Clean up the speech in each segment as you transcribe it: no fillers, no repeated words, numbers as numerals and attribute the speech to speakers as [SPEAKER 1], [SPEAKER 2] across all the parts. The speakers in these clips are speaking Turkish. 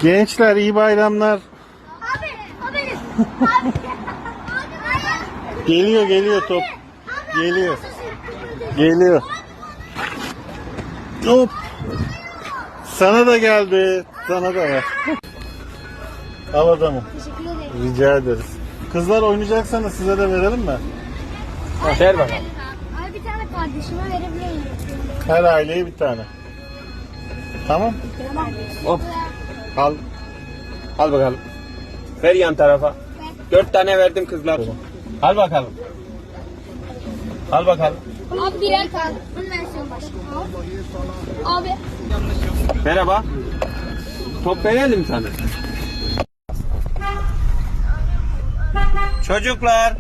[SPEAKER 1] Gençler iyi bayramlar.
[SPEAKER 2] Abi, o benim. Abi.
[SPEAKER 1] Geliyor top. Geliyor. Geliyor. Hop. Sana da geldi. Sana da var. Al adamı.
[SPEAKER 2] Teşekkür ederim.
[SPEAKER 1] Rica ederiz. Kızlar oynayacaksanız size de verelim mi?
[SPEAKER 3] Ver bakalım.
[SPEAKER 2] Abi bir tane kardeşime verebilir miyim?
[SPEAKER 1] Her aileye bir tane. Tamam.
[SPEAKER 2] Tamam.
[SPEAKER 3] Hop. Al. Al bakalım. Ver yan tarafa. 4 tane verdim kızlar. Al bakalım. Al bakalım.
[SPEAKER 2] Abi birer kaldı. Bunun versiyonu başka. Abi.
[SPEAKER 3] Merhaba. Top verelim sana. Çocuklar.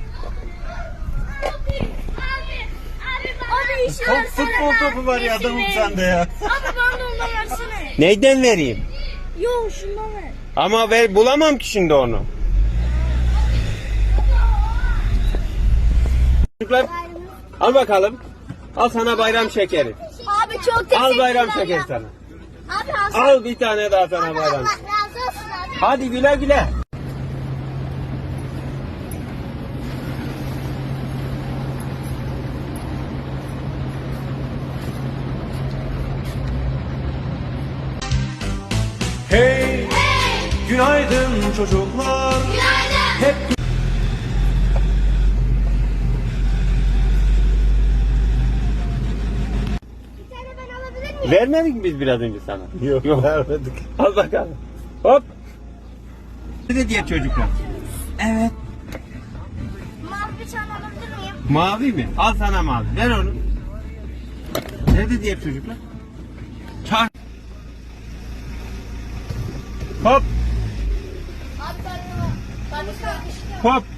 [SPEAKER 2] Abi işi
[SPEAKER 1] Top, futbol topu var ya adamım sende ya.
[SPEAKER 2] Abi bana da ondan versene.
[SPEAKER 3] Neyden vereyim?
[SPEAKER 2] Yok şundan ver.
[SPEAKER 3] Ama bulamam ki şimdi onu. Çocuklar al bakalım. Al sana bayram şekeri.
[SPEAKER 2] Abi çok teşekkürler.
[SPEAKER 3] Al bayram şekeri sana.
[SPEAKER 2] Abi alsın.
[SPEAKER 3] Al bir tane daha sana bayram.
[SPEAKER 2] Allah razı olsun abi.
[SPEAKER 3] Hadi güle güle.
[SPEAKER 4] Hey, günaydın çocuklar.
[SPEAKER 2] Günaydın.
[SPEAKER 4] Hep
[SPEAKER 2] Bir tane ben alabilir miyim?
[SPEAKER 3] Vermedik mi biz biraz önce sana?
[SPEAKER 1] Yok, vermedik.
[SPEAKER 3] Al bakalım. Hop. Ne diye çocuklar? Evet.
[SPEAKER 2] Mavi bir tane alabilir miyim?
[SPEAKER 3] Mavi mi? Al sana mavi. Ver onu. Nerede diğer çocuklar? Çar. Hop.
[SPEAKER 2] Abi ben kardeşim.
[SPEAKER 3] Hop.